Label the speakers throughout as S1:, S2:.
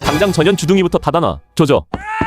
S1: 당장 전현 주둥이부터 닫아놔. 조져.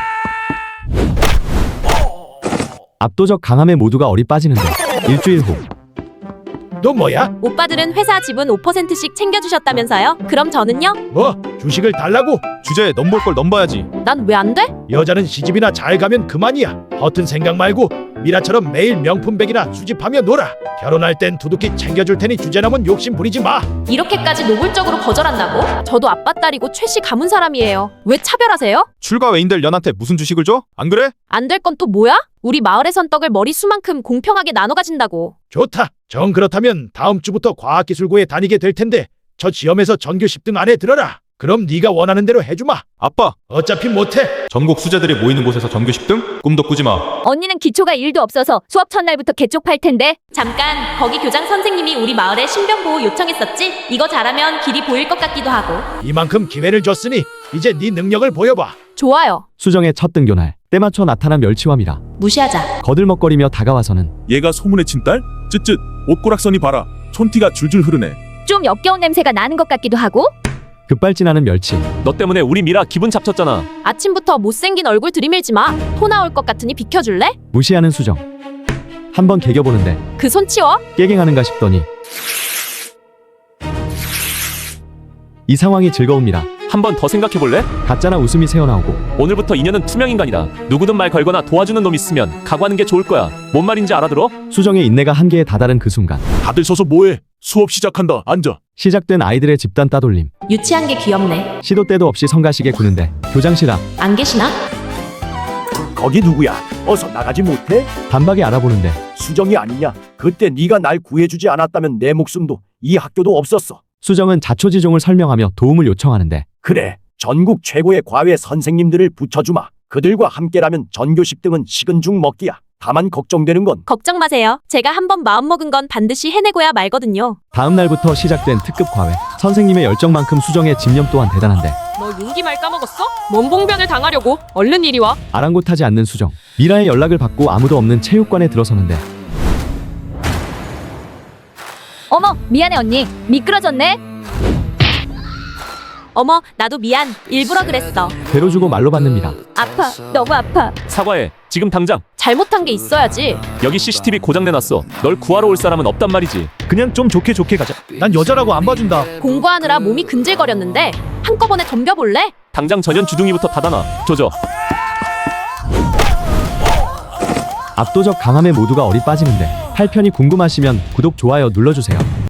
S2: 압도적 강함에 모두가 어리 빠지는데 일주일 후
S3: 너 뭐야?
S4: 오빠들은 회사 지분 5%씩 챙겨주셨다면서요? 그럼 저는요?
S3: 뭐 주식을 달라고?
S5: 주제에 넘볼 걸 넘봐야지.
S4: 난 왜 안 돼?
S3: 여자는 시집이나 잘 가면 그만이야. 허튼 생각 말고 미라처럼 매일 명품백이나 수집하며 놀아. 결혼할 땐 두둑히 챙겨줄 테니 주제넘은 욕심 부리지 마.
S4: 이렇게까지 노골적으로 거절한다고? 저도 아빠 딸이고 최씨 가문 사람이에요. 왜 차별하세요?
S5: 출가 외인들 연한테 무슨 주식을 줘? 안 그래?
S4: 안 될 건 또 뭐야? 우리 마을에선 떡을 머리수만큼 공평하게 나눠 가진다고.
S3: 좋다. 정 그렇다면 다음 주부터 과학기술고에 다니게 될 텐데 저 시험에서 전교 10등 안에 들어라. 그럼 네가 원하는 대로 해주마.
S5: 아빠,
S3: 어차피 못해.
S5: 전국 수재들이 모이는 곳에서 전교 10등? 꿈도 꾸지 마.
S4: 언니는 기초가 1도 없어서 수업 첫날부터 개쪽팔 텐데. 잠깐, 거기 교장 선생님이 우리 마을에 신병보호 요청했었지? 이거 잘하면 길이 보일 것 같기도 하고.
S3: 이만큼 기회를 줬으니 이제 네 능력을 보여봐.
S4: 좋아요.
S2: 수정의 첫 등교날 때맞춰 나타난 멸치와미라
S4: 무시하자.
S2: 거들먹거리며 다가와서는
S6: 얘가 소문의 친딸? 쯧쯧 옷고락선이 봐라. 촌티가 줄줄 흐르네.
S4: 좀 역겨운 냄새가 나는 것 같기도 하고.
S2: 급발진하는 멸치
S1: 너 때문에 우리 미라 기분 잡쳤잖아.
S4: 아침부터 못생긴 얼굴 들이밀지 마. 토 나올 것 같으니 비켜줄래?
S2: 무시하는 수정 한번 개겨보는데
S4: 그 손 치워.
S2: 깨갱하는가 싶더니 이 상황이 즐거웁니다.
S1: 한 번 더 생각해볼래?
S2: 가짜나 웃음이 새어나오고
S1: 오늘부터 인연은 투명인간이다. 누구든 말 걸거나 도와주는 놈 있으면 각오하는 게 좋을 거야. 뭔 말인지 알아들어?
S2: 수정의 인내가 한계에 다다른 그 순간
S6: 다들 서서 뭐해? 수업 시작한다. 앉아.
S2: 시작된 아이들의 집단 따돌림
S4: 유치한 게 귀엽네.
S2: 시도 때도 없이 성가시게 구는데 교장실 앞
S4: 안 계시나?
S7: 거기 누구야? 어서 나가지 못해?
S2: 단박에 알아보는데
S7: 수정이 아니냐? 그때 네가 날 구해주지 않았다면 내 목숨도 이 학교도 없었어.
S2: 수정은 자초지종을 설명하며 도움을 요청하는데
S7: 그래, 전국 최고의 과외 선생님들을 붙여주마. 그들과 함께라면 전교 10등은 식은 죽 먹기야. 다만 걱정되는 건
S4: 걱정 마세요. 제가 한번 마음먹은 건 반드시 해내고야 말거든요.
S2: 다음 날부터 시작된 특급 과외 선생님의 열정만큼 수정의 집념 또한 대단한데
S8: 너 윤기 말 까먹었어? 뭔 봉변을 당하려고? 얼른 이리 와.
S2: 아랑곳하지 않는 수정 미라의 연락을 받고 아무도 없는 체육관에 들어서는데
S4: 어머, 미안해 언니. 미끄러졌네. 어머, 나도 미안. 일부러 그랬어.
S2: 배로 주고 말로 받는 미라
S4: 아파. 너무 아파.
S1: 사과해. 지금 당장.
S4: 잘못한 게 있어야지.
S1: 여기 CCTV 고장내놨어. 널 구하러 올 사람은 없단 말이지.
S3: 그냥 좀 좋게 가자. 난 여자라고 안 봐준다.
S4: 공부하느라 몸이 근질거렸는데 한꺼번에 덤벼볼래?
S1: 당장 전현 주둥이부터 닫아놔. 조져.
S2: 압도적 강함에 모두가 어리 빠지는데 8편이 궁금하시면 구독 좋아요 눌러주세요.